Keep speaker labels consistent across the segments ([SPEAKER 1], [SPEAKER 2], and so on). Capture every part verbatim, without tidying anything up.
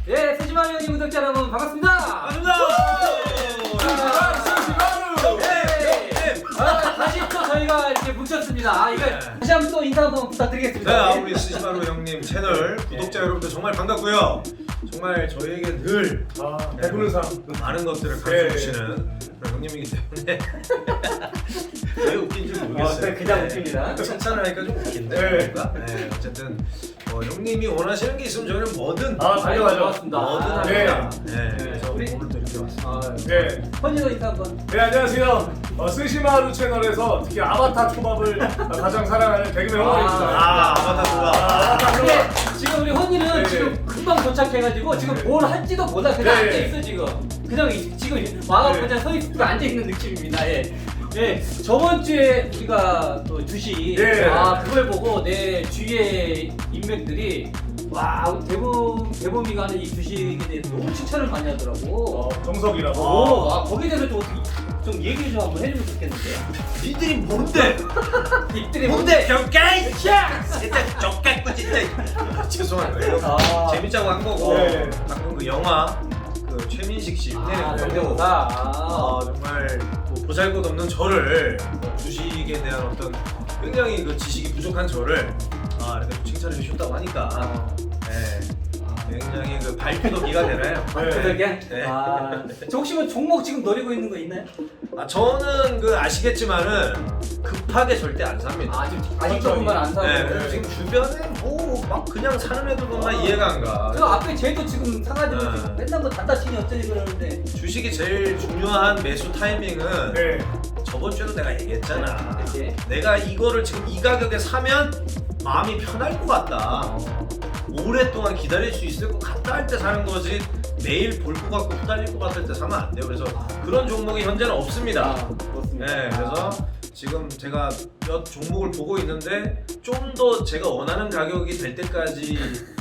[SPEAKER 1] 예, 스시마루 형님 구독자 여러분 반갑습니다.
[SPEAKER 2] 반갑습니다.
[SPEAKER 1] 아, 다시 또 저희가 이렇게 뭉쳤습니다. 아, 이거 다시 한번 또 인사 한번 부탁드리겠습니다.
[SPEAKER 2] 네, 우리 스시마루 형님 채널 구독자 여러분들 정말 반갑고요. 정말 저희에게 늘
[SPEAKER 3] 아, 배부른 사람.
[SPEAKER 2] 많은 것들을
[SPEAKER 3] 네.
[SPEAKER 2] 가르쳐 주시는 그런 형님이기 때문에 왜 웃긴지 모르겠어요.
[SPEAKER 1] 어, 네, 그냥 웃깁니다.
[SPEAKER 2] 칭찬을 하니까 좀 웃긴데.
[SPEAKER 3] 네.
[SPEAKER 2] 뭔가? 네, 어쨌든 어, 형님이 원하시는 게 있으면 저희는 뭐든
[SPEAKER 3] 아, 당연하죠.
[SPEAKER 1] 고맙습니다.
[SPEAKER 2] 뭐든
[SPEAKER 1] 아,
[SPEAKER 2] 합니다.
[SPEAKER 3] 네.
[SPEAKER 2] 네.
[SPEAKER 1] 네.
[SPEAKER 2] 그래서
[SPEAKER 1] 우리-
[SPEAKER 2] 오늘도 이렇게 왔습니다.
[SPEAKER 1] 아,
[SPEAKER 3] 네.
[SPEAKER 1] 헌이도 인사 한번.
[SPEAKER 3] 네, 안녕하세요. 어, 스시마루 채널에서 특히 아바타 초밥을 가장 사랑하는 개그맨 홍원입니다.
[SPEAKER 2] 아, 아바타 좋아.
[SPEAKER 3] 아, 아바타
[SPEAKER 1] 근데
[SPEAKER 3] 초밥.
[SPEAKER 1] 지금 우리 헌이는
[SPEAKER 3] 네.
[SPEAKER 1] 지금 금방 도착해가지고 지금
[SPEAKER 3] 네.
[SPEAKER 1] 뭘 할지도 몰라 그냥
[SPEAKER 3] 네.
[SPEAKER 1] 앉아 있어 지금. 그냥 이- 지금 와갖고
[SPEAKER 3] 네.
[SPEAKER 1] 그냥 서 있고 앉아 있는 느낌입니다. 예. 예, 저번 주에 우리가 또 주식,
[SPEAKER 3] 네.
[SPEAKER 1] 아 그걸 보고 내 주위의 인맥들이 와 대범 대범이가 하는 이 주식에 대해서 너무 칭찬을 많이 하더라고.
[SPEAKER 3] 어, 정석이라고.
[SPEAKER 1] 오, 아 거기에 대해서 좀, 어떻게- 좀 얘기 좀 한번 해주면 좋겠는데.
[SPEAKER 2] 니들이 뭔데?
[SPEAKER 1] 입들이
[SPEAKER 2] 뭔데? 경까이! 진짜 족같고 진짜. 아, 죄송합니다. 이거
[SPEAKER 1] 아.
[SPEAKER 2] 재밌자고 한 거고.
[SPEAKER 3] 네.
[SPEAKER 2] 방금 그 영화 그 최민식 씨 흉내낸
[SPEAKER 1] 아,
[SPEAKER 2] 거고.
[SPEAKER 1] 정대호가. 아.
[SPEAKER 2] 아, 정말 뭐 보잘것없는 저를 뭐 주식에 대한 어떤 굉장히 그 지식이 부족한 저를 아 이렇게 좀 칭찬해 주셨다고 하니까
[SPEAKER 1] 아.
[SPEAKER 2] 네, 굉장히 그 발표도 기가 되나요?
[SPEAKER 3] 네.
[SPEAKER 1] 그러게?
[SPEAKER 2] 네.
[SPEAKER 1] 아, 저 혹시 뭐 종목 지금 노리고 있는 거 있나요?
[SPEAKER 2] 아 저는 그 아시겠지만은 급하게 절대 안 삽니다.
[SPEAKER 1] 아, 지금 아직 조금만 안 사고.
[SPEAKER 2] 네, 그래서 지금 주변에 뭐 막 그냥 사는 애들 보면 이해가 안 가.
[SPEAKER 1] 저 앞에 쟤도 지금 사가지고
[SPEAKER 2] 네.
[SPEAKER 1] 지금 맨날 뭐 단다 치니 어쩌니 그러는데.
[SPEAKER 2] 주식이 제일 중요한 매수 타이밍은
[SPEAKER 3] 네.
[SPEAKER 2] 저번 주에도 내가 얘기했잖아.
[SPEAKER 1] 그치?
[SPEAKER 2] 내가 이거를 지금 이 가격에 사면 마음이 편할 것 같다. 오랫동안 기다릴 수 있을 것 같다 할 때 사는 거지 매일 볼 것 같고 후달릴 것 같을 때 사면 안 돼요. 그래서 그런 종목이 현재는 없습니다.
[SPEAKER 1] 아, 그렇습니다.
[SPEAKER 2] 네, 그래서 지금 제가 몇 종목을 보고 있는데 좀 더 제가 원하는 가격이 될 때까지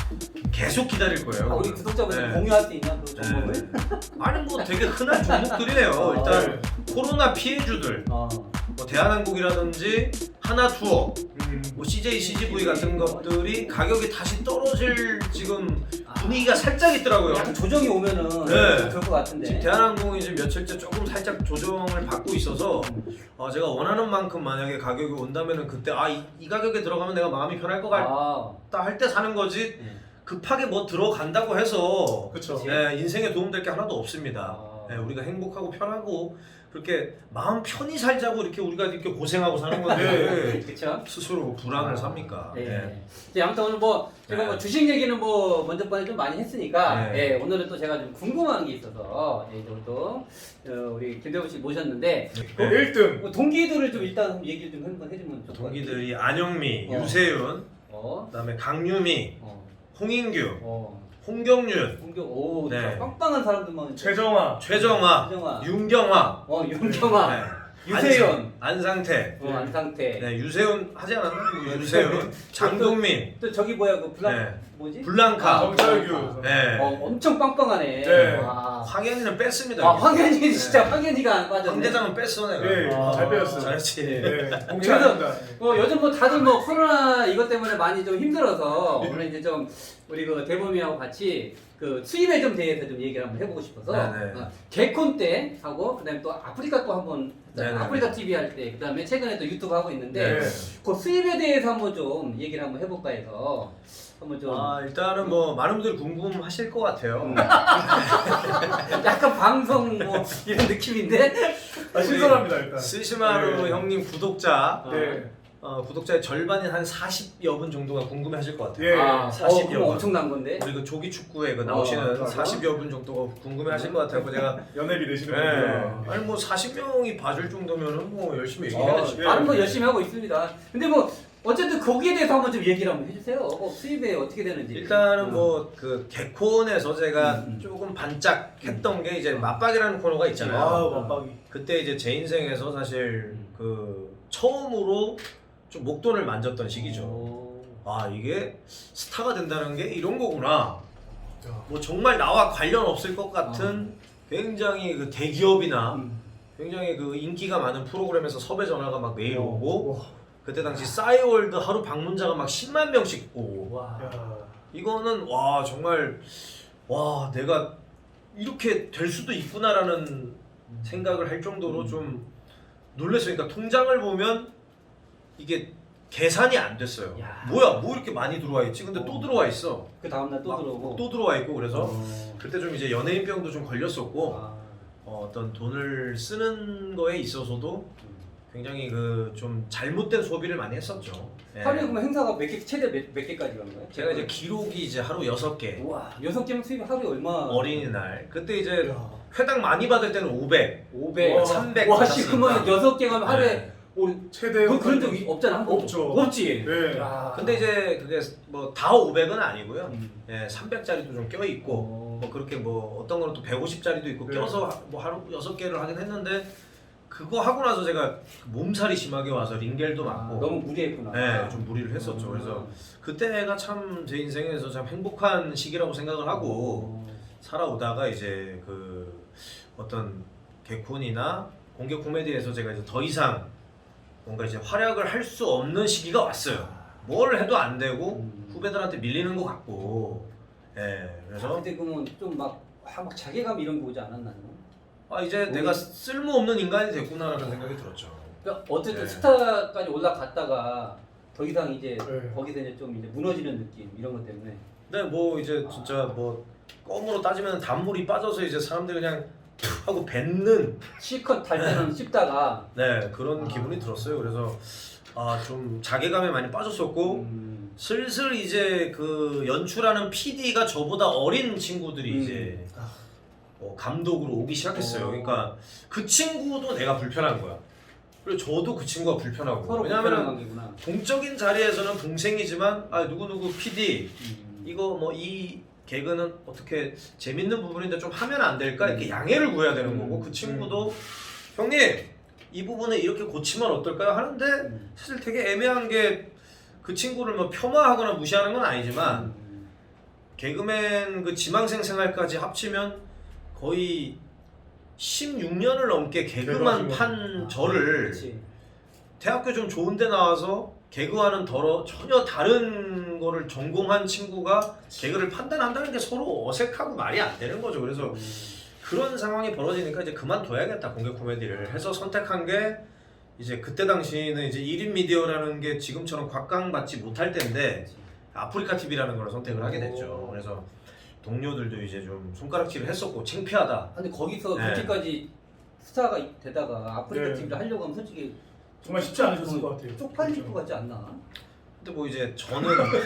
[SPEAKER 2] 계속 기다릴 거예요.
[SPEAKER 1] 아, 우리 구독자분들
[SPEAKER 2] 네.
[SPEAKER 1] 공유할 수 있나 그
[SPEAKER 2] 네.
[SPEAKER 1] 종목을?
[SPEAKER 2] 아니 뭐 되게 흔한 종목들이에요. 일단 코로나 피해주들,
[SPEAKER 1] 아,
[SPEAKER 2] 뭐 대한항공이라든지 하나투어,
[SPEAKER 3] 음.
[SPEAKER 2] 뭐 씨제이, 씨지브이 같은 것들이 가격이 다시 떨어질 지금 분위기가 살짝 있더라고요.
[SPEAKER 1] 약간 조정이 오면은
[SPEAKER 2] 네.
[SPEAKER 1] 그럴 것 같은데.
[SPEAKER 2] 지금 대한항공이 지금 며칠째 조금 살짝 조정을 받고 있어서 어, 제가 원하는 만큼 만약에 가격이 온다면은 그때 아 이 가격에 들어가면 내가 마음이 편할 것 같다
[SPEAKER 1] 아,
[SPEAKER 2] 할 때 사는 거지
[SPEAKER 1] 네.
[SPEAKER 2] 급하게 뭐 들어간다고 해서
[SPEAKER 3] 그쵸.
[SPEAKER 1] 그치.
[SPEAKER 2] 네, 인생에 도움될 게 하나도 없습니다.
[SPEAKER 1] 아.
[SPEAKER 2] 네, 우리가 행복하고 편하고 그렇게 마음 편히 살자고 이렇게 우리가 이렇게 고생하고 사는 건데
[SPEAKER 1] 그쵸?
[SPEAKER 2] 스스로 불안을 삽니까?
[SPEAKER 1] 네.
[SPEAKER 2] 네.
[SPEAKER 1] 이제 아무튼 오늘 뭐 제가
[SPEAKER 2] 네.
[SPEAKER 1] 뭐 주식 얘기는 뭐 먼저 번에 좀 많이 했으니까
[SPEAKER 2] 네.
[SPEAKER 1] 예, 오늘은 또 제가 좀 궁금한 게 있어서 예, 오늘 또 어, 우리 김대호 씨 모셨는데
[SPEAKER 3] 그 일 등.
[SPEAKER 1] 뭐 동기들을 좀 일단 한번 얘기를 좀 한번 해주면 좋을 것 같아요.
[SPEAKER 2] 동기들이 안영미,
[SPEAKER 1] 어.
[SPEAKER 2] 유세윤,
[SPEAKER 1] 어,
[SPEAKER 2] 그다음에 강유미,
[SPEAKER 1] 어,
[SPEAKER 2] 홍인규,
[SPEAKER 1] 어,
[SPEAKER 2] 홍경윤,
[SPEAKER 1] 동교, 오,
[SPEAKER 2] 네.
[SPEAKER 1] 진짜 빵빵한 사람들만.
[SPEAKER 3] 최정화.
[SPEAKER 2] 최정화,
[SPEAKER 1] 최정화.
[SPEAKER 2] 윤경화,
[SPEAKER 1] 어, 윤경아,
[SPEAKER 2] 네.
[SPEAKER 1] 유세윤,
[SPEAKER 2] 안상, 안상태,
[SPEAKER 1] 어, 안상태.
[SPEAKER 2] 네, 유세윤 하지 않았나? 유세윤, 장동민,
[SPEAKER 1] 또 저기 뭐야 그 블랑
[SPEAKER 2] 네.
[SPEAKER 1] 뭐지?
[SPEAKER 2] 블랑카,
[SPEAKER 3] 정철규.
[SPEAKER 2] 네.
[SPEAKER 1] 어, 엄청 빵빵하네.
[SPEAKER 3] 네.
[SPEAKER 1] 와.
[SPEAKER 2] 황현이는 뺐습니다.
[SPEAKER 1] 아, 황현이 진짜 황현이가 안 빠졌네.
[SPEAKER 2] 황대장은 뺐어 내가.
[SPEAKER 3] 네,
[SPEAKER 1] 아.
[SPEAKER 3] 잘 빼였어요.
[SPEAKER 2] 잘했지.
[SPEAKER 3] 네. 공채
[SPEAKER 1] 그래서-
[SPEAKER 3] 안 된다.
[SPEAKER 1] 어, 요즘 뭐 다들 뭐 코로나 이것 때문에 많이 좀 힘들어서 오늘 이제 좀 우리 그 대범이하고 같이 그 수입에 좀 대해서 좀 얘기를 한번 해보고 싶어서
[SPEAKER 2] 네네.
[SPEAKER 1] 어, 개콘 때 하고 그다음에 또 아프리카 또 한번 했잖아요.
[SPEAKER 2] 네네.
[SPEAKER 1] 아프리카 티비 할 때 그다음에 최근에 또 유튜브 하고 있는데
[SPEAKER 3] 네.
[SPEAKER 1] 그 수입에 대해서 한번 좀 얘기를 한번 해볼까 해서 한번 좀
[SPEAKER 2] 아 일단은 뭐 많은 분들이 궁금하실 것 같아요.
[SPEAKER 1] 음. 약간 방송 뭐 이런 느낌인데
[SPEAKER 3] 아, 신선합니다, 일단.
[SPEAKER 2] 스시마루
[SPEAKER 3] 네.
[SPEAKER 2] 형님 구독자
[SPEAKER 3] 네.
[SPEAKER 2] 어, 구독자의 절반인 한 사십여 분 정도가 궁금해하실 것 같아요.
[SPEAKER 3] 예.
[SPEAKER 1] 아,
[SPEAKER 2] 사십여
[SPEAKER 1] 어, 그럼
[SPEAKER 2] 분.
[SPEAKER 1] 엄청난 건데.
[SPEAKER 2] 우리 그 조기 축구에 그
[SPEAKER 1] 어,
[SPEAKER 2] 나오시는
[SPEAKER 3] 그래요?
[SPEAKER 2] 사십여 분 정도가 궁금해하실 것 같아요. 제가
[SPEAKER 3] 연예비 되시는
[SPEAKER 2] 네.
[SPEAKER 3] 분들.
[SPEAKER 2] 아니 뭐 사십 명이 봐줄 정도면은 뭐 열심히
[SPEAKER 1] 어,
[SPEAKER 2] 얘기해야지.
[SPEAKER 3] 예.
[SPEAKER 1] 다른 거 열심히 하고 있습니다. 근데 뭐 어쨌든 거기에 대해서 한번 좀 얘기를 한번 해주세요. 어, 수입에 어떻게 되는지.
[SPEAKER 2] 일단은
[SPEAKER 1] 음.
[SPEAKER 2] 뭐 그 개콘에서 제가
[SPEAKER 1] 음, 음.
[SPEAKER 2] 조금 반짝했던 게 이제 맞박이라는 코너가 있잖아요.
[SPEAKER 3] 아, 맞박이.
[SPEAKER 2] 그때 이제 제 인생에서 사실 그 처음으로 좀 목돈을 만졌던 시기죠.
[SPEAKER 1] 오.
[SPEAKER 2] 아 이게 스타가 된다는 게 이런 거구나.
[SPEAKER 3] 야.
[SPEAKER 2] 뭐 정말 나와 관련 없을 것 같은 굉장히 그 대기업이나
[SPEAKER 1] 음.
[SPEAKER 2] 굉장히 그 인기가 많은 프로그램에서 섭외 전화가 막 매일 오고
[SPEAKER 3] 와.
[SPEAKER 2] 그때 당시 싸이월드 하루 방문자가 막 십만 명씩 오고
[SPEAKER 1] 와.
[SPEAKER 3] 야.
[SPEAKER 2] 이거는 와 정말 와 내가 이렇게 될 수도 있구나라는 생각을 할 정도로 좀 놀랐어요. 그러니까 통장을 보면 이게 계산이 안 됐어요.
[SPEAKER 1] 야.
[SPEAKER 2] 뭐야 뭐 이렇게 많이 들어와 있지? 근데 또
[SPEAKER 1] 어.
[SPEAKER 2] 들어와 있어.
[SPEAKER 1] 그 다음날 또
[SPEAKER 2] 막
[SPEAKER 1] 들어오고.
[SPEAKER 2] 또 들어와 있고 그래서
[SPEAKER 1] 어.
[SPEAKER 2] 그때 좀 이제 연예인병도 좀 걸렸었고
[SPEAKER 1] 아.
[SPEAKER 2] 어, 어떤 돈을 쓰는 거에 있어서도 굉장히 그 좀 잘못된 소비를 많이 했었죠. 예.
[SPEAKER 1] 하루에 그러면 행사가 몇 개, 최대 몇, 몇 개까지 간 거예요?
[SPEAKER 2] 제가 이제 기록이 이제 하루 여섯 개.
[SPEAKER 1] 우와, 여섯 개면 수입이 하루에 얼마?
[SPEAKER 2] 어린이날 그때 이제
[SPEAKER 1] 야.
[SPEAKER 2] 회당 많이 받을 때는 오백,
[SPEAKER 1] 오백,
[SPEAKER 3] 와,
[SPEAKER 2] 삼백
[SPEAKER 1] 와, 씨,
[SPEAKER 2] 받았으니까.
[SPEAKER 1] 그러면 여섯 개 가면 하루에
[SPEAKER 2] 네.
[SPEAKER 1] 우리
[SPEAKER 3] 최대
[SPEAKER 1] 그, 그런 적이 없잖아, 한 번도.
[SPEAKER 3] 없죠.
[SPEAKER 1] 없지.
[SPEAKER 3] 네.
[SPEAKER 1] 야.
[SPEAKER 2] 근데 이제 그게 뭐 다 오백은 아니고요.
[SPEAKER 1] 음.
[SPEAKER 2] 예, 삼백짜리도 좀 껴 있고
[SPEAKER 1] 어.
[SPEAKER 2] 뭐 그렇게 뭐 어떤 거는 또 백오십짜리도 있고
[SPEAKER 3] 네.
[SPEAKER 2] 껴서 하- 뭐 하루 여섯 개를 하긴 했는데 그거 하고 나서 제가 몸살이 심하게 와서 링겔도
[SPEAKER 1] 아,
[SPEAKER 2] 맞고
[SPEAKER 1] 너무 무리했구나.
[SPEAKER 2] 네, 좀 무리를 했었죠.
[SPEAKER 1] 어.
[SPEAKER 2] 그래서 그때가 참 제 인생에서 참 행복한 시기라고 생각을 하고
[SPEAKER 1] 어.
[SPEAKER 2] 살아오다가 이제 그 어떤 개콘이나 공개 코미디에서 제가 이제 더 이상 뭔가 이제 활약을 할 수 없는 시기가 왔어요. 뭘 해도 안 되고
[SPEAKER 1] 음.
[SPEAKER 2] 후배들한테 밀리는 것 같고, 예,
[SPEAKER 1] 아,
[SPEAKER 2] 그래서
[SPEAKER 1] 그때 그러면 좀막 막 자괴감 이런 게 오지 않았나요?
[SPEAKER 2] 아 이제
[SPEAKER 1] 우리-
[SPEAKER 2] 내가 쓸모없는 인간이 됐구나라는 생각이 들었죠.
[SPEAKER 1] 그러니까 어쨌든
[SPEAKER 2] 네.
[SPEAKER 1] 스타까지 올라갔다가 더 이상 이제
[SPEAKER 3] 네.
[SPEAKER 1] 거기서 이제 좀 이제 무너지는 느낌 이런 것 때문에.
[SPEAKER 2] 근데 뭐 이제 진짜 뭐 껌으로 따지면 단물이 빠져서 이제 사람들이 그냥 툭 하고 뱉는
[SPEAKER 1] 실컷 달 때는 씹다가
[SPEAKER 2] 네 그런
[SPEAKER 1] 아.
[SPEAKER 2] 기분이 들었어요. 그래서 아 좀 자괴감에 많이 빠졌었고
[SPEAKER 1] 음.
[SPEAKER 2] 슬슬 이제 그 연출하는 피디가 저보다 어린 친구들이
[SPEAKER 1] 음.
[SPEAKER 2] 이제
[SPEAKER 1] 아.
[SPEAKER 2] 어, 감독으로 오기 시작했어요.
[SPEAKER 1] 어.
[SPEAKER 2] 그러니까 그 친구도 내가 불편한 거야. 그리고 저도 그 친구가 불편하고.
[SPEAKER 1] 서로 불편한
[SPEAKER 2] 왜냐하면
[SPEAKER 1] 관계구나.
[SPEAKER 2] 공적인 자리에서는 동생이지만 아 누구 누구 피디
[SPEAKER 1] 음.
[SPEAKER 2] 이거 뭐 이 개그는 어떻게 재밌는 부분인데 좀 하면 안 될까 이렇게
[SPEAKER 1] 음.
[SPEAKER 2] 양해를 구해야 되는
[SPEAKER 1] 음.
[SPEAKER 2] 거고 그 친구도 형님 이 부분을 이렇게 고치면 어떨까요 하는데
[SPEAKER 1] 음.
[SPEAKER 2] 사실 되게 애매한 게 그 친구를 뭐 폄하하거나 무시하는 건 아니지만
[SPEAKER 1] 음.
[SPEAKER 2] 개그맨 그 지망생 생활까지 합치면 거의 십육 년을 넘게 개그만
[SPEAKER 3] 개그하시고.
[SPEAKER 2] 판
[SPEAKER 1] 아,
[SPEAKER 2] 저를
[SPEAKER 1] 그치.
[SPEAKER 2] 대학교 좀 좋은 데 나와서 개그와는 더러 전혀 다른 거를 전공한 친구가 개그를 판단한다는 게 서로 어색하고 말이 안 되는 거죠. 그래서
[SPEAKER 1] 음.
[SPEAKER 2] 그런 상황이 벌어지니까 이제 그만둬야겠다 공개 코미디를 해서 선택한 게 이제 그때 당시는 이제 일 인 미디어라는 게 지금처럼 곽강받지 못할 때인데
[SPEAKER 1] 그치.
[SPEAKER 2] 아프리카 티비라는 걸 선택을 하게 됐죠. 그래서 동료들도 이제 좀 손가락질을 했었고 창피하다.
[SPEAKER 1] 근데 거기서
[SPEAKER 2] 네.
[SPEAKER 1] 그렇게까지 스타가 되다가 아프리카
[SPEAKER 3] 네.
[SPEAKER 1] 티비를 하려고 하면 솔직히
[SPEAKER 3] 정말 쉽지 않으셨을 것 같아요.
[SPEAKER 1] 쪽팔릴
[SPEAKER 3] 그렇죠.
[SPEAKER 1] 것 같지 않나?
[SPEAKER 2] 근데 뭐 이제 저는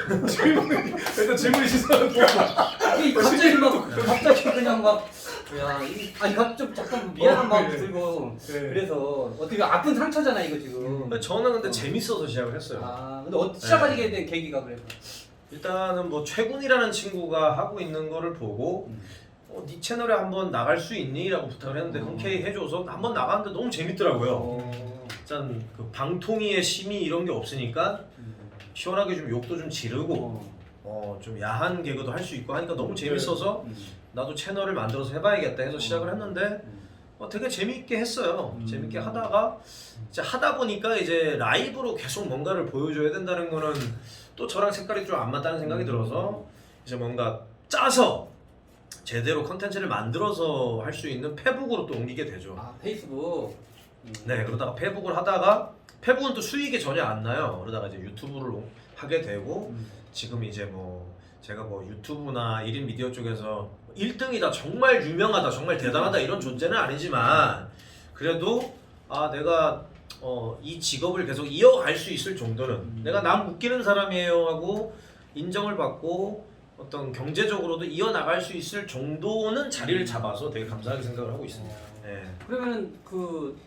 [SPEAKER 3] 일단 질문이 시선은
[SPEAKER 1] 아니 갑자기 막 갑자기 그냥 막 야, 이- 아니 갑자기 잠깐 미안한
[SPEAKER 3] 어,
[SPEAKER 1] 마음
[SPEAKER 3] 네.
[SPEAKER 1] 들고
[SPEAKER 3] 네.
[SPEAKER 1] 그래서 어떻게 아픈 상처잖아 이거 지금.
[SPEAKER 2] 근데 저는 근데
[SPEAKER 1] 어.
[SPEAKER 2] 재밌어서 시작을 했어요.
[SPEAKER 1] 아 근데 어, 시작하게 된 계기가 그래서.
[SPEAKER 2] 일단은 뭐 최군이라는 친구가 하고 있는 거를 보고
[SPEAKER 1] 음.
[SPEAKER 2] 어, 네 채널에 한번 나갈 수 있니? 라고 부탁을 했는데
[SPEAKER 1] 어.
[SPEAKER 2] 흔쾌히 해줘서 한번 나갔는데 너무 재밌더라고요.
[SPEAKER 1] 어.
[SPEAKER 2] 일단 그 방통위의 심의 이런 게 없으니까
[SPEAKER 1] 음.
[SPEAKER 2] 시원하게 좀 욕도 좀 지르고
[SPEAKER 1] 어.
[SPEAKER 2] 어, 좀 야한 개그도 할 수 있고 하니까 너무 재밌어서
[SPEAKER 1] 음.
[SPEAKER 2] 나도 채널을 만들어서 해봐야겠다 해서 시작을 했는데
[SPEAKER 1] 음.
[SPEAKER 2] 어, 되게 재밌게 했어요.
[SPEAKER 1] 음.
[SPEAKER 2] 재밌게 하다가 이제 하다 보니까 이제 라이브로 계속 뭔가를 보여줘야 된다는 거는 또 저랑 색깔이 좀 안 맞다는 생각이
[SPEAKER 1] 음.
[SPEAKER 2] 들어서 이제 뭔가 짜서 제대로 컨텐츠를 만들어서 할 수 있는 페북으로 또 옮기게 되죠.
[SPEAKER 1] 아 페이스북. 음.
[SPEAKER 2] 네, 그러다가 페북을 하다가 페북은 또 수익이 전혀 안 나요. 그러다가 이제 유튜브를 하게 되고
[SPEAKER 1] 음.
[SPEAKER 2] 지금 이제 뭐 제가 뭐 유튜브나 일 인 미디어 쪽에서 일 등이다, 정말 유명하다, 정말 대단하다 이런 존재는 아니지만 그래도 아 내가 어, 이 직업을 계속 이어갈 수 있을 정도는
[SPEAKER 1] 음.
[SPEAKER 2] 내가 남 웃기는 사람이에요 하고 인정을 받고 어떤 경제적으로도 이어나갈 수 있을 정도는 자리를 잡아서 되게 감사하게 생각을 하고 있습니다. 네.
[SPEAKER 1] 그러면은 그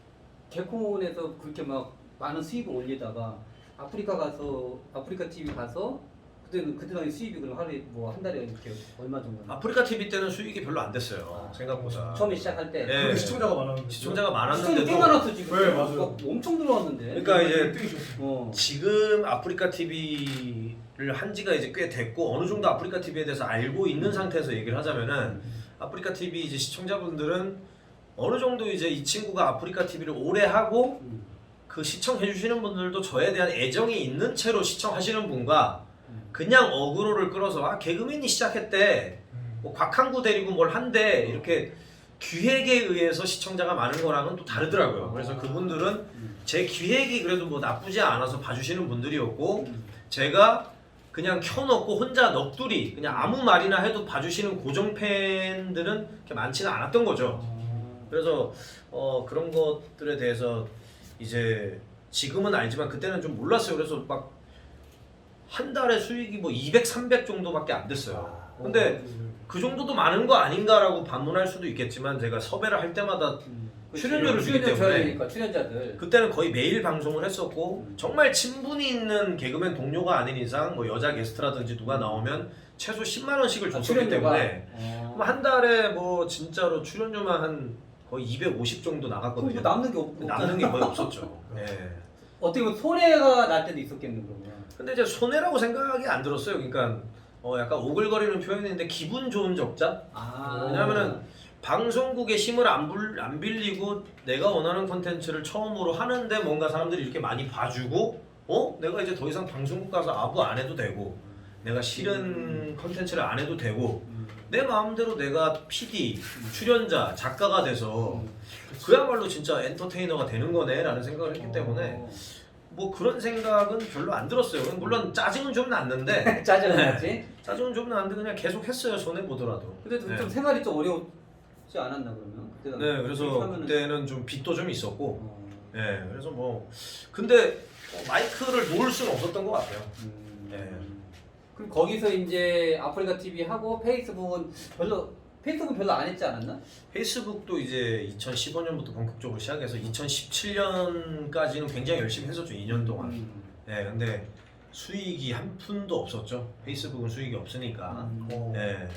[SPEAKER 1] 개콘에서 그렇게 막 많은 수입을 올리다가 아프리카 가서 아프리카 티비 가서 그때는 그때 당시 수입이 그럼 하루에 뭐 한 달에 이렇게 얼마 정도?
[SPEAKER 2] 아프리카 티비 때는 수익이 별로 안 됐어요.
[SPEAKER 1] 아,
[SPEAKER 2] 생각보다.
[SPEAKER 1] 처음에 시작할 때.
[SPEAKER 2] 네.
[SPEAKER 3] 근데 시청자가 많았는데
[SPEAKER 2] 시청자가
[SPEAKER 1] 시청자 꽤
[SPEAKER 2] 많았는데도
[SPEAKER 1] 많았어 지금.
[SPEAKER 3] 네, 맞아요.
[SPEAKER 1] 막 엄청 들어왔는데.
[SPEAKER 2] 그러니까 이제
[SPEAKER 3] 일 등이셨어요.
[SPEAKER 1] 어.
[SPEAKER 2] 지금 아프리카 티비를 한 지가 이제 꽤 됐고 어느 정도 아프리카 티비에 대해서 알고 있는 상태에서 얘기를 하자면은 아프리카 티비 이제 시청자분들은 어느 정도 이제 이 친구가 아프리카 티비를 오래 하고
[SPEAKER 1] 음.
[SPEAKER 2] 그 시청해 주시는 분들도 저에 대한 애정이 있는 채로 시청하시는 분과
[SPEAKER 1] 음.
[SPEAKER 2] 그냥 어그로를 끌어서 아 개그맨이 시작했대
[SPEAKER 3] 음.
[SPEAKER 2] 뭐 곽한구 데리고 뭘 한데 이렇게 기획에 의해서 시청자가 많은 거랑은 또 다르더라고요. 그래서 그분들은
[SPEAKER 1] 음.
[SPEAKER 2] 제 기획이 그래도 뭐 나쁘지 않아서 봐주시는 분들이었고
[SPEAKER 1] 음.
[SPEAKER 2] 제가 그냥 켜놓고 혼자 넋두리 그냥 아무 말이나 해도 봐주시는 고정 팬들은 그렇게 많지는 않았던 거죠. 그래서 어, 그런 것들에 대해서 이제 지금은 알지만 그때는 좀 몰랐어요. 그래서 막 한 달에 수익이 뭐 이백, 삼백 정도밖에 안 됐어요. 근데 그 정도도 많은 거 아닌가라고 반문할 수도 있겠지만 제가 섭외를 할 때마다
[SPEAKER 1] 음.
[SPEAKER 2] 출연료를 주기
[SPEAKER 1] 출연료
[SPEAKER 2] 때문에
[SPEAKER 1] 줘야 되니까 출연자들.
[SPEAKER 2] 그때는 거의 매일 방송을 했었고
[SPEAKER 1] 음.
[SPEAKER 2] 정말 친분이 있는 개그맨 동료가 아닌 이상 뭐 여자 게스트라든지 누가 나오면 최소 십만 원씩을
[SPEAKER 1] 아,
[SPEAKER 2] 줬기
[SPEAKER 1] 출연료가?
[SPEAKER 2] 때문에
[SPEAKER 1] 어.
[SPEAKER 2] 그럼 한 달에 뭐 진짜로 출연료만 한 거의 이백오십 정도
[SPEAKER 1] 그럼
[SPEAKER 2] 나갔거든요.
[SPEAKER 1] 뭐 남는 게 없고.
[SPEAKER 2] 남는 게 거의 없었죠. 예.
[SPEAKER 1] 어떻게 보면 손해가 날 때도 있었겠네 그러면.
[SPEAKER 2] 근데 이제 손해라고 생각이 안 들었어요. 그러니까 어 약간 오글거리는 표현인데 기분 좋은 적자?
[SPEAKER 1] 아.
[SPEAKER 2] 왜냐면은 방송국의 힘을 안, 불, 안 빌리고 내가 원하는 콘텐츠를 처음으로 하는데 뭔가 사람들이 이렇게 많이 봐주고 어? 내가 이제 더 이상 방송국 가서 아부 안 해도 되고 내가 싫은 콘텐츠를 안 해도 되고
[SPEAKER 1] 음.
[SPEAKER 2] 내 마음대로 내가 피디, 출연자, 작가가 돼서
[SPEAKER 1] 음.
[SPEAKER 2] 그야말로 진짜 엔터테이너가 되는 거네 라는 생각을 했기 때문에
[SPEAKER 1] 어.
[SPEAKER 2] 뭐 그런 생각은 별로 안 들었어요. 물론 짜증은 좀 났는데
[SPEAKER 1] 짜증 났지.
[SPEAKER 2] 짜증은 좀 났는데 그냥 계속 했어요. 손해 보더라도.
[SPEAKER 1] 근데 좀
[SPEAKER 2] 네.
[SPEAKER 1] 생활이 좀 어려웠지 않았나 그러면? 그때
[SPEAKER 2] 네, 그래서
[SPEAKER 1] 하면은-
[SPEAKER 2] 그때는 좀 빚도 좀 있었고,
[SPEAKER 1] 어.
[SPEAKER 2] 네, 그래서 뭐 근데 뭐 마이크를 놓을 수는 없었던 것 같아요.
[SPEAKER 1] 음.
[SPEAKER 2] 네.
[SPEAKER 1] 그럼 거기서 이제 아프리카 티비 하고 페이스북은 별로 페이스북은 별로 안 했지 않았나?
[SPEAKER 2] 페이스북도 이제 이천십오 년부터 본격적으로 시작해서 이천십칠 년까지는 굉장히 열심히 했었죠. 이 년 동안.
[SPEAKER 1] 음.
[SPEAKER 2] 네, 근데 수익이 한 푼도 없었죠. 페이스북은 수익이 없으니까.
[SPEAKER 1] 음.
[SPEAKER 2] 네.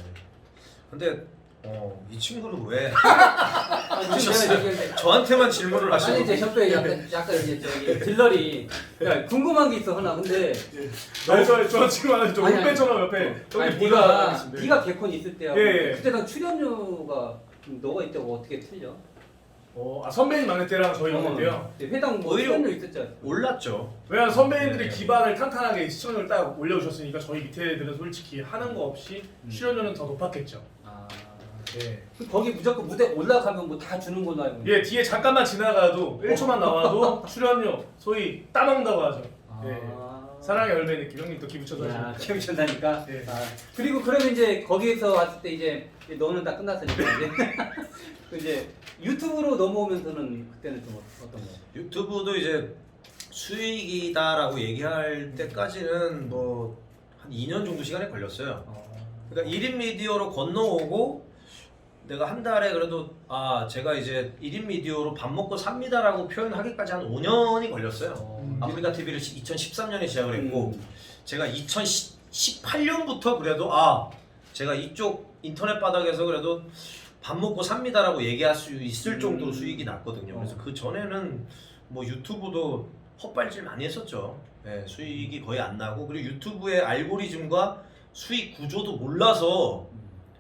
[SPEAKER 2] 근데 어, 이 친구는 왜
[SPEAKER 1] 아, 지금
[SPEAKER 2] 보셨어요?
[SPEAKER 1] 내가 이제-
[SPEAKER 2] 저한테만 질문을
[SPEAKER 1] 아니
[SPEAKER 2] 하시는
[SPEAKER 1] 이제 협회 약간 약간 이제 저기 딜러리 야, 궁금한 게 있어 하나 근데
[SPEAKER 3] 네, 저, 저 지금 하는 저
[SPEAKER 1] 아니,
[SPEAKER 3] 홈페이지처럼 옆에 저기
[SPEAKER 1] 아니
[SPEAKER 3] 보다가
[SPEAKER 1] 네가
[SPEAKER 3] 있습니다.
[SPEAKER 1] 네가 개콘 있을 때하고
[SPEAKER 3] 예, 예.
[SPEAKER 1] 그때랑 출연료가 좀 너가 이때하고 어떻게 틀려?
[SPEAKER 3] 어, 아, 선배님 막내 때랑 저희 막내 때요.
[SPEAKER 1] 네, 회당 뭐
[SPEAKER 2] 오히려-
[SPEAKER 1] 출연료 있었지 않습니까?
[SPEAKER 2] 올랐죠.
[SPEAKER 3] 왜냐면 선배님들이
[SPEAKER 2] 네.
[SPEAKER 3] 기반을 탄탄하게 시청률 딱 올려주셨으니까 저희 밑에 애들은 솔직히 하는 거 없이
[SPEAKER 1] 음.
[SPEAKER 3] 출연료는 더 높았겠죠.
[SPEAKER 1] 아,
[SPEAKER 3] 예.
[SPEAKER 1] 그럼 거기 무조건 무대 올라가면 뭐 다 주는 걸로 알고 있는데.
[SPEAKER 3] 예, 뒤에 잠깐만 지나가도 일 초만 나와도 출연료 소위 따먹는다고 하죠. 예.
[SPEAKER 1] 아.
[SPEAKER 3] 사랑의 열매 느낌 형님 또 기부쳐서
[SPEAKER 1] 야,
[SPEAKER 3] 하시니까.
[SPEAKER 1] 키우셨다니까.
[SPEAKER 3] 예.
[SPEAKER 1] 아, 그리고 그러면 이제 거기에서 왔을 때 이제 너는 다 끝났으니까 이제 그 이제 유튜브로 넘어오면서는 그때는 좀 어- 어떤 거야?
[SPEAKER 2] 유튜브도 이제 수익이다라고 얘기할 때까지는 뭐 한 이 년 정도 시간이 걸렸어요. 그러니까 일 인 미디어로 건너오고 내가 한 달에 그래도 아 제가 이제 일 인 미디어로 밥 먹고 삽니다라고 표현하기까지 한 오 년이 걸렸어요.
[SPEAKER 1] 어.
[SPEAKER 2] 아프리카 티비를 이천십삼 년에 시작을 했고
[SPEAKER 1] 음.
[SPEAKER 2] 제가 이천십팔 년부터 그래도 아 제가 이쪽 인터넷 바닥에서 그래도 밥 먹고 삽니다라고 얘기할 수 있을
[SPEAKER 1] 음.
[SPEAKER 2] 정도로 수익이 났거든요. 그래서
[SPEAKER 1] 어.
[SPEAKER 2] 그 전에는 뭐 유튜브도 헛발질 많이 했었죠. 네, 수익이 거의 안 나고 그리고 유튜브의 알고리즘과 수익 구조도 몰라서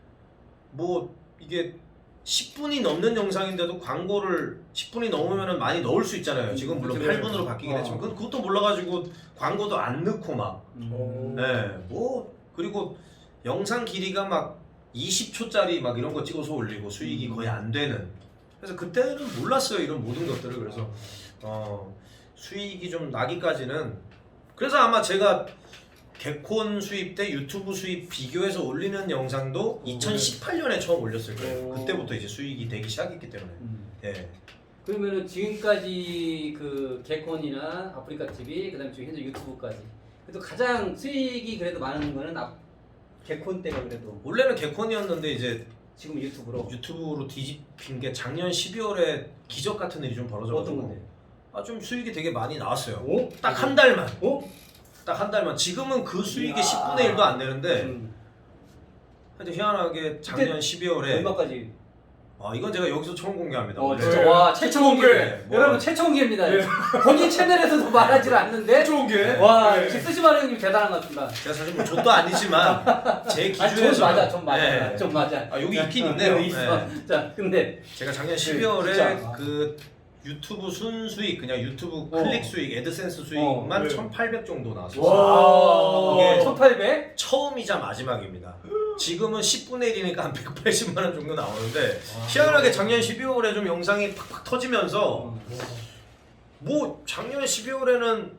[SPEAKER 2] 뭐 이게 십 분이 넘는 영상인데도 광고를 십 분이 넘으면 많이 넣을 수 있잖아요. 지금 물론
[SPEAKER 1] 그치,
[SPEAKER 2] 팔 분으로 바뀌긴
[SPEAKER 1] 어.
[SPEAKER 2] 했지만 그- 그것도 몰라가지고 광고도 안 넣고 막
[SPEAKER 1] 음.
[SPEAKER 2] 네, 뭐 그리고 영상 길이가 막 이십 초짜리 막 이런 거 찍어서 올리고 수익이 거의 안 되는. 그래서 그때는 몰랐어요 이런 모든 것들을. 그래서 어, 수익이 좀 나기까지는 그래서 아마 제가 개콘 수입 때 유튜브 수입 비교해서 올리는 영상도 이천십팔 년에 처음 올렸을 거예요.
[SPEAKER 1] 오.
[SPEAKER 2] 그때부터 이제 수익이 되기 시작했기 때문에.
[SPEAKER 1] 음.
[SPEAKER 2] 예.
[SPEAKER 1] 그러면은 지금까지 그 개콘이나 아프리카 티비 그다음에 지금 현재 유튜브까지 그래도 가장 수익이 그래도 많은 거는 아, 개콘 때가 그래도
[SPEAKER 2] 원래는 개콘이었는데 이제
[SPEAKER 1] 지금 유튜브로
[SPEAKER 2] 유튜브로 뒤집힌 게 작년 십이월에 기적 같은 일이 좀 벌어져가지고
[SPEAKER 1] 어떤 건데?
[SPEAKER 2] 아 좀 수익이 되게 많이 나왔어요.
[SPEAKER 1] 오?
[SPEAKER 2] 딱 한 달만.
[SPEAKER 1] 어?
[SPEAKER 2] 딱 한 달만. 지금은 그 수익의
[SPEAKER 1] 이야.
[SPEAKER 2] 십분의 일도 안 되는데
[SPEAKER 1] 음.
[SPEAKER 2] 하여튼 희한하게 작년
[SPEAKER 1] 그때
[SPEAKER 2] 십이월에
[SPEAKER 1] 얼마까지?
[SPEAKER 2] 아 이건 제가 여기서 처음 공개합니다.
[SPEAKER 1] 어,
[SPEAKER 2] 원래.
[SPEAKER 1] 진짜
[SPEAKER 3] 네.
[SPEAKER 1] 와 최초 공개.
[SPEAKER 2] 네, 뭐.
[SPEAKER 1] 여러분 최초 공개입니다.
[SPEAKER 3] 네.
[SPEAKER 1] 본인 채널에서도 말하지 않는데
[SPEAKER 3] 좋은 게
[SPEAKER 1] 와
[SPEAKER 3] 네.
[SPEAKER 1] 역시 쓰시마루 형님 대단한 것 같습니다.
[SPEAKER 2] 제가 사실 뭐 족도 아니지만 제
[SPEAKER 1] 아니
[SPEAKER 2] 기준에서
[SPEAKER 1] 좀 맞아, 좀 맞아,
[SPEAKER 2] 네.
[SPEAKER 1] 좀 맞아.
[SPEAKER 2] 아, 여기
[SPEAKER 1] 자,
[SPEAKER 2] 있긴
[SPEAKER 1] 어,
[SPEAKER 2] 있네요.
[SPEAKER 1] 여기 있어.
[SPEAKER 2] 네.
[SPEAKER 1] 자 근데
[SPEAKER 2] 제가 작년 십이월에
[SPEAKER 1] 진짜.
[SPEAKER 2] 그 유튜브 순수익 그냥 유튜브
[SPEAKER 1] 어.
[SPEAKER 2] 클릭 수익, 애드센스 수익만
[SPEAKER 3] 어, 네.
[SPEAKER 2] 천팔백 정도 나왔어요.
[SPEAKER 3] 와.
[SPEAKER 2] 이게
[SPEAKER 1] 천팔백?
[SPEAKER 2] 처음이자 마지막입니다. 지금은 십분의 일이니까 한 백팔십만 원 정도 나오는데
[SPEAKER 3] 아,
[SPEAKER 2] 희한하게 작년 십이월에 좀 영상이 팍팍 터지면서
[SPEAKER 1] 어.
[SPEAKER 2] 뭐 작년 십이월에는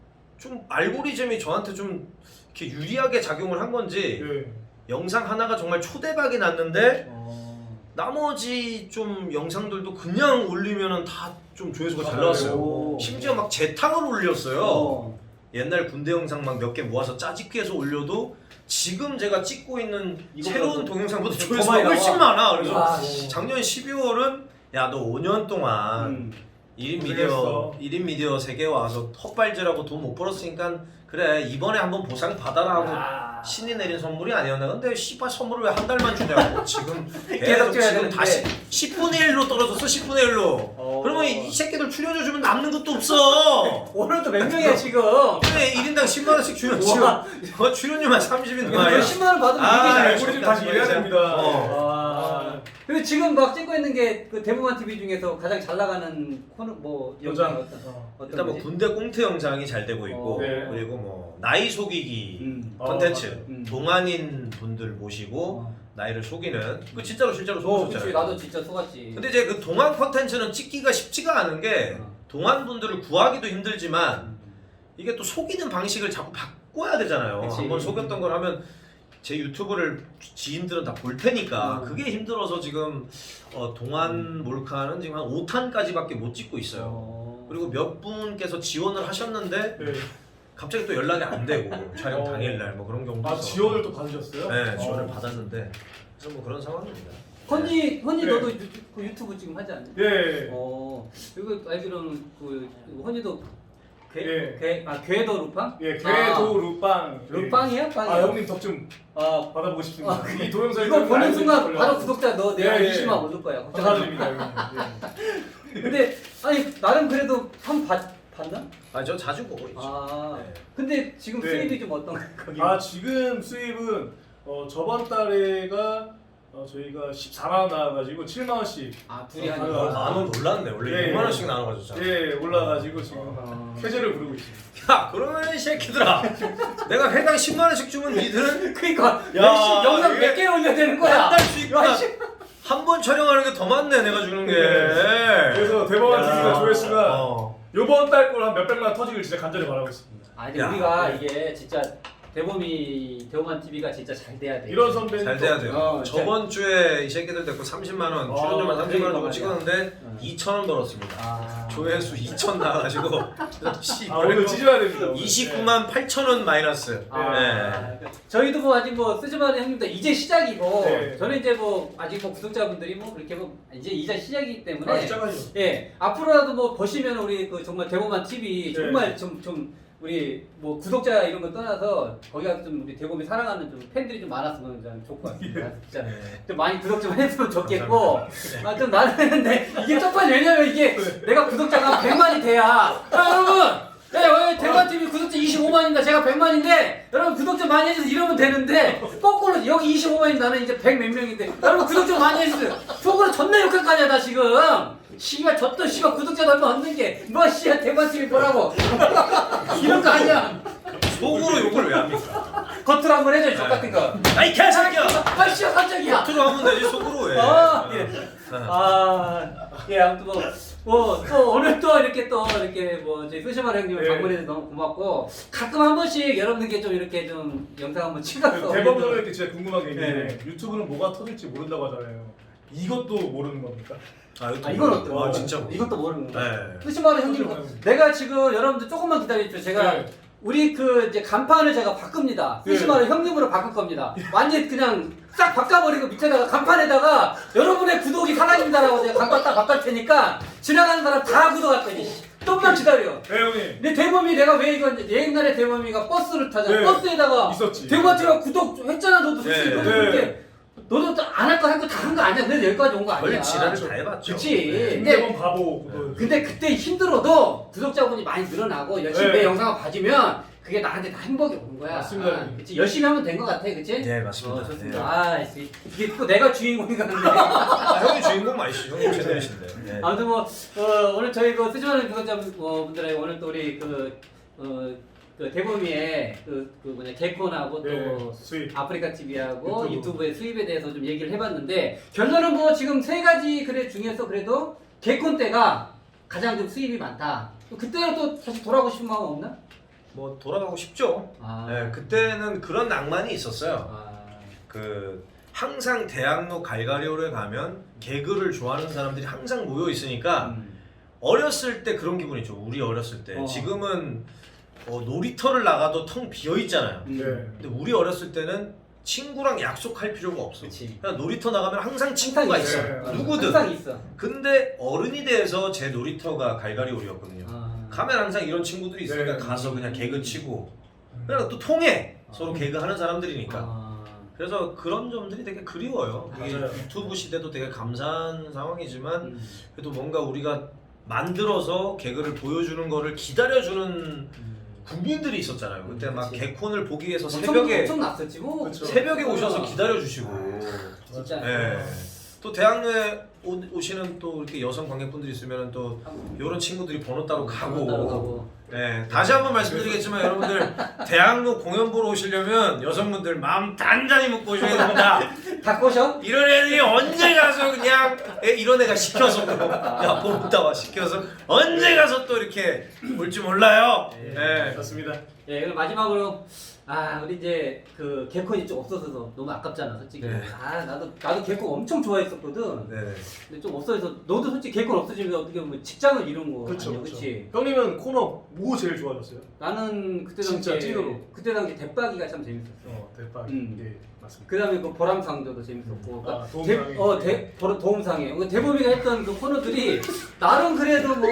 [SPEAKER 2] 좀 알고리즘이 저한테 좀 이렇게 유리하게 작용을 한 건지
[SPEAKER 3] 예.
[SPEAKER 2] 영상 하나가 정말 초대박이 났는데
[SPEAKER 1] 어.
[SPEAKER 2] 나머지 좀 영상들도 그냥 올리면은 다 좀 조회수가 잘
[SPEAKER 3] 아,
[SPEAKER 2] 나왔어요.
[SPEAKER 1] 오.
[SPEAKER 2] 심지어 막 재탕을 올렸어요.
[SPEAKER 1] 어.
[SPEAKER 2] 옛날 군대 영상 막 몇 개 모아서 짜집기 해서 올려도 지금 제가 찍고 있는
[SPEAKER 1] 이거보다
[SPEAKER 2] 새로운
[SPEAKER 1] 더-
[SPEAKER 2] 동영상보다
[SPEAKER 1] 더
[SPEAKER 2] 조회수가
[SPEAKER 1] 많이
[SPEAKER 2] 훨씬
[SPEAKER 1] 나와.
[SPEAKER 2] 많아. 그래서
[SPEAKER 1] 와.
[SPEAKER 2] 작년 십이월은 야 너 오 년 동안
[SPEAKER 1] 음.
[SPEAKER 2] 일 인 미디어
[SPEAKER 3] 고생했어.
[SPEAKER 2] 일 인 미디어 세계에 와서 헛발질하고 돈 못 벌었으니까 그래 이번에 한번 보상 받아라 하고
[SPEAKER 1] 아.
[SPEAKER 2] 신이 내린 선물이 아니었나. 근데 씨발 선물을 왜 한 달만 주냐고. 지금
[SPEAKER 1] 계속
[SPEAKER 2] 계속
[SPEAKER 1] 줘야
[SPEAKER 2] 지금
[SPEAKER 1] 되는데.
[SPEAKER 2] 다시 십분의 일로 떨어졌어. 십분의 일로.
[SPEAKER 1] 어.
[SPEAKER 2] 그러면 이 새끼들 출연해주면 남는 것도 없어.
[SPEAKER 1] 오늘도 몇 명이야 지금?
[SPEAKER 2] 그래 일 인당 십만 원씩 주면
[SPEAKER 1] 우와.
[SPEAKER 2] 지금 어, 출연료만 삼십인
[SPEAKER 1] 이거
[SPEAKER 2] 거야.
[SPEAKER 1] 십만 원 받으면
[SPEAKER 2] 아,
[SPEAKER 1] 이게 잘.
[SPEAKER 3] 알고리즘 다시 이래야 됩니다.
[SPEAKER 2] 어.
[SPEAKER 1] 와. 그리고 지금 막 찍고 있는 게 그 대부만 티비 중에서 가장 잘 나가는 코너 뭐
[SPEAKER 3] 여장.
[SPEAKER 1] 영상 어떤
[SPEAKER 3] 어.
[SPEAKER 1] 어떤
[SPEAKER 2] 일단 뭐
[SPEAKER 1] 거지?
[SPEAKER 2] 군대 꽁트 영상이 잘 되고 있고
[SPEAKER 1] 어.
[SPEAKER 3] 네.
[SPEAKER 2] 그리고 뭐 나이 속이기
[SPEAKER 1] 음.
[SPEAKER 2] 콘텐츠
[SPEAKER 3] 어,
[SPEAKER 1] 음.
[SPEAKER 2] 동안인 분들 모시고
[SPEAKER 1] 어.
[SPEAKER 2] 나이를 속이는 그 진짜로 실제로
[SPEAKER 1] 어, 그치
[SPEAKER 2] 속였잖아요.
[SPEAKER 1] 나도 진짜 속았지.
[SPEAKER 2] 근데 이제 그 동안 콘텐츠는 찍기가 쉽지가 않은 게
[SPEAKER 1] 어.
[SPEAKER 2] 동안 분들을 구하기도 힘들지만
[SPEAKER 1] 음.
[SPEAKER 2] 이게 또 속이는 방식을 자꾸 바꿔야 되잖아요.
[SPEAKER 1] 그치.
[SPEAKER 2] 한번 속였던 걸 하면 제 유튜브를 지인들은 다 볼 테니까
[SPEAKER 1] 음.
[SPEAKER 2] 그게 힘들어서 지금 어, 동안 몰카는 지금 한 오 탄까지밖에 못 찍고 있어요.
[SPEAKER 1] 어.
[SPEAKER 2] 그리고 몇 분께서 지원을 하셨는데
[SPEAKER 3] 네.
[SPEAKER 2] 갑자기 또 연락이 안 되고 촬영
[SPEAKER 3] 어.
[SPEAKER 2] 당일날 뭐 그런 경우도
[SPEAKER 3] 아
[SPEAKER 2] 있어.
[SPEAKER 3] 지원을 또 받으셨어요?
[SPEAKER 2] 네, 지원을
[SPEAKER 3] 어.
[SPEAKER 2] 받았는데 그래서 뭐 그런 상황입니다.
[SPEAKER 1] 헌니 헌니
[SPEAKER 3] 네.
[SPEAKER 1] 너도 유튜브, 그 유튜브 지금 하지 않니?
[SPEAKER 3] 예.
[SPEAKER 1] 어. 이거 알기로는 그 헌니도 괴,
[SPEAKER 3] 예.
[SPEAKER 1] 괴, 아 괴도 루팡?
[SPEAKER 3] 예, 괴도 루빵. 예.
[SPEAKER 1] 루팡이야? 빵이야?
[SPEAKER 3] 아 형님 덕 좀
[SPEAKER 1] 아,
[SPEAKER 3] 받아보고 싶습니다.
[SPEAKER 1] 아,
[SPEAKER 3] 이 동영상
[SPEAKER 1] 이거 보는 순간 바로 구독자 너 내가
[SPEAKER 3] 예, 예.
[SPEAKER 1] 이십만 올릴 거야.
[SPEAKER 3] 감사드립니다 형님. 예.
[SPEAKER 1] 근데 아니 나름 그래도 한 봤, 봤나?
[SPEAKER 2] 아 저 자주 보고 있죠.
[SPEAKER 1] 아.
[SPEAKER 2] 네.
[SPEAKER 1] 근데 지금
[SPEAKER 3] 네.
[SPEAKER 1] 수입이 좀 어떤가 거기?
[SPEAKER 3] 아 지금 수입은 어, 저번 달에가 어, 저희가 십사만 원 나와가지고 칠만 원씩
[SPEAKER 1] 아 둘이
[SPEAKER 3] 아,
[SPEAKER 1] 하는
[SPEAKER 3] 아,
[SPEAKER 1] 거.
[SPEAKER 2] 만원 올랐네. 원래
[SPEAKER 3] 예,
[SPEAKER 2] 육만
[SPEAKER 3] 예.
[SPEAKER 2] 원씩 나눠가지고.
[SPEAKER 3] 예 올라가지고 지금
[SPEAKER 1] 어.
[SPEAKER 3] 쾌재를 부르고 있습니다.
[SPEAKER 2] 야 그러면 이 새끼들아 내가 회당 십만 원씩 주면 니들은
[SPEAKER 1] 그러니까
[SPEAKER 2] 야,
[SPEAKER 1] 야, 영상
[SPEAKER 2] 이게
[SPEAKER 1] 몇 개 올려야 되는 거야?
[SPEAKER 2] 한 달 수입보다
[SPEAKER 1] 야, 씨.
[SPEAKER 2] 한 번 촬영하는 게 더 많네 내가 주는 게.
[SPEAKER 3] 네. 그래서 대법원
[SPEAKER 2] 야.
[SPEAKER 3] 티비가 조회수가
[SPEAKER 2] 어.
[SPEAKER 3] 요번 달 걸 한 몇백만 원 터지길 진짜 간절히 바라고 있습니다.
[SPEAKER 1] 아니
[SPEAKER 2] 야,
[SPEAKER 1] 우리가
[SPEAKER 3] 네.
[SPEAKER 1] 이게 진짜 대범이 대범한 티비가 진짜 잘 돼야 돼.
[SPEAKER 3] 이런 선배님
[SPEAKER 2] 잘 돼야 돼요.
[SPEAKER 1] 어,
[SPEAKER 2] 저번 주에 이 새끼들 데리고 삼십만 원,
[SPEAKER 3] 어,
[SPEAKER 2] 출연료만 삼십만 원
[SPEAKER 1] 그러니까
[SPEAKER 2] 주고
[SPEAKER 1] 말이야.
[SPEAKER 2] 찍었는데
[SPEAKER 1] 어.
[SPEAKER 2] 이천 원 벌었습니다.
[SPEAKER 1] 아.
[SPEAKER 2] 조회수 이천 나와가지고 씨,
[SPEAKER 3] 아 오늘 찢어야 됩니다. 오늘.
[SPEAKER 2] 이십구만 팔천 원 마이너스.
[SPEAKER 1] 아,
[SPEAKER 2] 네.
[SPEAKER 1] 저희도 뭐 아직 뭐 쓰지마는 형님도 이제 시작이고
[SPEAKER 3] 네.
[SPEAKER 1] 저는 이제 뭐 아직 뭐 구독자분들이 뭐 그렇게 뭐 이제 이제 시작이기
[SPEAKER 3] 네.
[SPEAKER 1] 때문에
[SPEAKER 3] 아 시작하죠.
[SPEAKER 1] 예 앞으로라도 뭐 보시면 우리 그 정말 대범한 티비
[SPEAKER 3] 네.
[SPEAKER 1] 정말 좀 좀 우리 뭐 구독자 이런 거 떠나서 거기 가서 좀 우리 대범이 사랑하는 좀 팬들이 좀 많았으면 좀 좋을 것 같습니다. 진짜
[SPEAKER 2] 네.
[SPEAKER 1] 좀 많이 구독 좀 했으면 좋겠고 아 좀 나는 했는데 이게 쪽팔 왜냐면 이게 내가 구독자가 백만이 돼야 자 여러분 네, 왜 대만 티비 구독자 이십오만입니다. 제가 백만인데 여러분 구독 좀 많이 해주세요. 이러면 되는데 거꾸로 여기 이십오만인데 나는 이제 백 몇 명인데 여러분 구독 좀 많이 해주세요. 속으로 존나 욕할 거 아니야 나 지금. 씨발 저또 씨발 구독자 얼마 없는 게뭐 씨야 대만 티비 보라고 이런 거 아니야.
[SPEAKER 2] 속으로 욕을 왜 합니까?
[SPEAKER 1] 겉으로 한번 해줘 저 같은 거.
[SPEAKER 2] 아이 개새끼야!
[SPEAKER 1] 아 씨야 깜짝이야.
[SPEAKER 2] 겉으로 하면 되지 속으로 왜?
[SPEAKER 1] 아, 예. 아, 예, 아무튼 뭐, 뭐, 또 오늘 또 이렇게 또 이렇게 뭐, 저희 소시마 형님을
[SPEAKER 3] 네.
[SPEAKER 1] 방문해서 너무 고맙고, 가끔 한 번씩 여러분들께 좀 이렇게 좀 영상 한번 찍어서.
[SPEAKER 3] 대법 선배님께 진짜 궁금한 게 있는데
[SPEAKER 1] 네.
[SPEAKER 3] 유튜브는 뭐가 터질지 모른다고 하잖아요. 이것도 모르는 겁니까?
[SPEAKER 2] 아,
[SPEAKER 1] 아, 이건 어때요?
[SPEAKER 2] 아, 진짜.
[SPEAKER 1] 이것도 모르는 거.
[SPEAKER 2] 네.
[SPEAKER 1] 소시마 형님,
[SPEAKER 3] 터질까요?
[SPEAKER 1] 내가 지금 여러분들 조금만 기다려주세요. 제가
[SPEAKER 3] 네.
[SPEAKER 1] 우리 그 이제 간판을 제가 바꿉니다.
[SPEAKER 3] 네.
[SPEAKER 1] 소시마를 형님으로 바꿀 겁니다. 완전 그냥 싹 바꿔버리고 밑에다가 간판에다가 여러분의 구독이 사랑입니다라고 제가 간판 딱 바꿀 테니까 지나가는 사람 다 구독할 거니. 좀만 기다려.
[SPEAKER 3] 네 형님
[SPEAKER 1] 내 대범이 내가 왜 이건 옛날에 대범이가 버스를 타잖아.
[SPEAKER 3] 네.
[SPEAKER 1] 버스에다가
[SPEAKER 3] 있었지.
[SPEAKER 1] 대범이가 구독 했잖아. 너도 솔직히
[SPEAKER 2] 네.
[SPEAKER 1] 너도
[SPEAKER 3] 네.
[SPEAKER 1] 그렇게 너도 안 할 거 할 거 다 한 거 아니야. 그래서 여기까지 온 거 아니야.
[SPEAKER 2] 별 지랄을 다 해봤죠.
[SPEAKER 1] 그치.
[SPEAKER 2] 네.
[SPEAKER 1] 근데
[SPEAKER 3] 김대범 바보 그거.
[SPEAKER 1] 근데 그때 힘들어도 구독자분이 많이 늘어나고 열심히
[SPEAKER 3] 네.
[SPEAKER 1] 내 영상을 봐주면 그게 나한테 다 행복이 오는 거야.
[SPEAKER 3] 맞습니다.
[SPEAKER 1] 아, 그치? 열심히 하면 된 거 같아, 그치?
[SPEAKER 2] 네, 맞습니다.
[SPEAKER 1] 어, 좋습니다.
[SPEAKER 2] 네.
[SPEAKER 1] 아, 씨. 이게 또 내가 주인공인가 근데.
[SPEAKER 2] 아, 형이 주인공 맞으시죠? 형님 채널이신데. 네.
[SPEAKER 1] 아무튼 뭐 어, 오늘 저희 그 쓰지마는 구독자분들에게 오늘 또 우리 그 어, 그 대범이의 그, 그 뭐냐 개콘하고 또
[SPEAKER 3] 네, 수익.
[SPEAKER 1] 아프리카 티비하고
[SPEAKER 3] 유튜브.
[SPEAKER 1] 유튜브의 수입에 대해서 좀 얘기를 해봤는데 결론은 뭐 지금 세 가지 그래 중에서 그래도 개콘 때가 가장 좀 수입이 많다. 그때는 또 다시 돌아가고 싶은 마음 없나?
[SPEAKER 2] 뭐 돌아가고 싶죠.
[SPEAKER 1] 아,
[SPEAKER 2] 네, 그때는 그런 낭만이 있었어요.
[SPEAKER 1] 아,
[SPEAKER 2] 그 항상 대학로 갈가리오를 가면 개그를 좋아하는 사람들이 항상 모여 있으니까
[SPEAKER 1] 음.
[SPEAKER 2] 어렸을 때 그런 기분이 있죠. 우리 어렸을 때.
[SPEAKER 1] 어.
[SPEAKER 2] 지금은 어, 놀이터를 나가도 텅 비어 있잖아요.
[SPEAKER 1] 음.
[SPEAKER 3] 네.
[SPEAKER 2] 근데 우리 어렸을 때는 친구랑 약속할 필요가 없어.
[SPEAKER 1] 그치.
[SPEAKER 2] 그냥 놀이터 나가면 항상 친구가
[SPEAKER 1] 항상
[SPEAKER 2] 있어.
[SPEAKER 3] 있어요.
[SPEAKER 2] 누구든.
[SPEAKER 1] 항상 있어.
[SPEAKER 2] 근데 어른이 돼서 제 놀이터가 갈가리오리였거든요.
[SPEAKER 1] 아.
[SPEAKER 2] 가면 항상 이런 친구들이 있으니까
[SPEAKER 3] 네.
[SPEAKER 2] 가서 그냥 개그 치고 그냥 또 통해. 서로 개그 하는 사람들이니까.
[SPEAKER 1] 아.
[SPEAKER 2] 그래서 그런 점들이 되게 그리워요. 이게
[SPEAKER 3] 맞아요.
[SPEAKER 2] 유튜브 시대도 되게 감사한 상황이지만
[SPEAKER 1] 음.
[SPEAKER 2] 그래도 뭔가 우리가 만들어서 개그를 보여주는 거를 기다려주는
[SPEAKER 1] 음.
[SPEAKER 2] 국민들이 있었잖아요. 그때 막
[SPEAKER 1] 그치.
[SPEAKER 2] 개콘을 보기 위해서
[SPEAKER 1] 엄청,
[SPEAKER 2] 새벽에
[SPEAKER 1] 엄청 났었지 뭐.
[SPEAKER 3] 그쵸.
[SPEAKER 2] 새벽에 오셔서
[SPEAKER 1] 아.
[SPEAKER 2] 기다려주시고.
[SPEAKER 1] 진짜.
[SPEAKER 2] 예. 또 대학로에 오, 오시는 또 이렇게 여성 관객분들이 있으면 또 이런 친구들이 번호 따로 가고.
[SPEAKER 1] 따로 가고.
[SPEAKER 2] 네, 다시 한번 말씀드리겠지만 여러분들 대학로 공연 보러 오시려면 여성분들 마음 단단히 먹고 오셔야 됩니다.
[SPEAKER 1] 다 꼬셔?
[SPEAKER 2] 이런 애들이 언제 가서 그냥 애, 이런 애가 시켜서 또, 야 보다가 시켜서 언제 가서 또 이렇게 올지 몰라요.
[SPEAKER 1] 네.
[SPEAKER 2] 네.
[SPEAKER 3] 맞습니다.
[SPEAKER 1] 예, 그럼 마지막으로 아 우리 이제 그 개콘이 좀 없어서 너무 아깝잖아 솔직히.
[SPEAKER 2] 네.
[SPEAKER 1] 아 나도 나도 개콘 엄청 좋아했었거든.
[SPEAKER 2] 네.
[SPEAKER 1] 근데 좀 없어져서 너도 솔직히 개콘 없어지면 어떻게 보면 직장을 잃은 거
[SPEAKER 3] 그렇죠.
[SPEAKER 1] 아니야, 그렇지?
[SPEAKER 3] 형님은 코너 뭐 제일 좋아하셨어요?
[SPEAKER 1] 나는 그때
[SPEAKER 3] 진짜
[SPEAKER 1] 당시에
[SPEAKER 3] 찐으로.
[SPEAKER 1] 그때 당시 대박이가 참 재밌었어.
[SPEAKER 3] 어, 대박.
[SPEAKER 1] 음.
[SPEAKER 3] 네, 맞습니다.
[SPEAKER 1] 그다음에 그 보람상조도 재밌었고,
[SPEAKER 3] 아,
[SPEAKER 1] 대,
[SPEAKER 3] 도움상에.
[SPEAKER 1] 어, 대, 보람- 도움상에. 그 대범이가 했던 그 코너들이 나름 그래도 뭐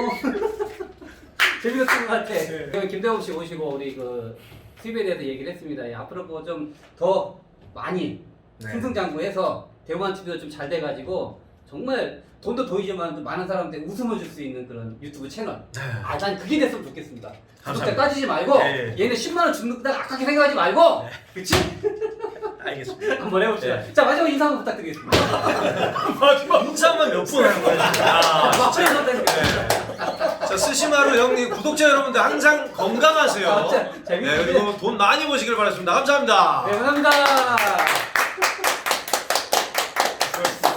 [SPEAKER 1] 재밌었던 것 같아.
[SPEAKER 3] 네.
[SPEAKER 1] 그럼 김대범 씨 오시고 우리 그 수입에 대해서 얘기를 했습니다. 예, 앞으로 뭐 좀 더 많이
[SPEAKER 2] 네.
[SPEAKER 1] 승승장구해서 대범한 티비도 좀 잘 돼가지고 정말 돈도 돈이지만 많은 사람한테 웃음을 줄 수 있는 그런 유튜브 채널. 아, 난 그게 됐으면 좋겠습니다. 구독자
[SPEAKER 2] 감사합니다.
[SPEAKER 1] 따지지 말고
[SPEAKER 2] 네.
[SPEAKER 1] 얘는 십만 원 준다 아깝게 생각하지 말고, 그치?
[SPEAKER 2] 알겠습니다.
[SPEAKER 1] 한번 해봅시다.
[SPEAKER 2] 네.
[SPEAKER 1] 자, 마지막 인사 한번 부탁드리겠습니다.
[SPEAKER 3] 마지막
[SPEAKER 2] 인사만 몇 분 하는 거야 지금. 아,
[SPEAKER 1] 마지막 인사 부탁드립니다.
[SPEAKER 2] 네. 자 스시마루 형님 구독자 여러분들 항상 건강하세요.
[SPEAKER 1] 아, 진짜 재밌네.
[SPEAKER 2] 네, 그리고 돈 많이 버시길 바라겠습니다. 감사합니다.
[SPEAKER 1] 네, 감사합니다.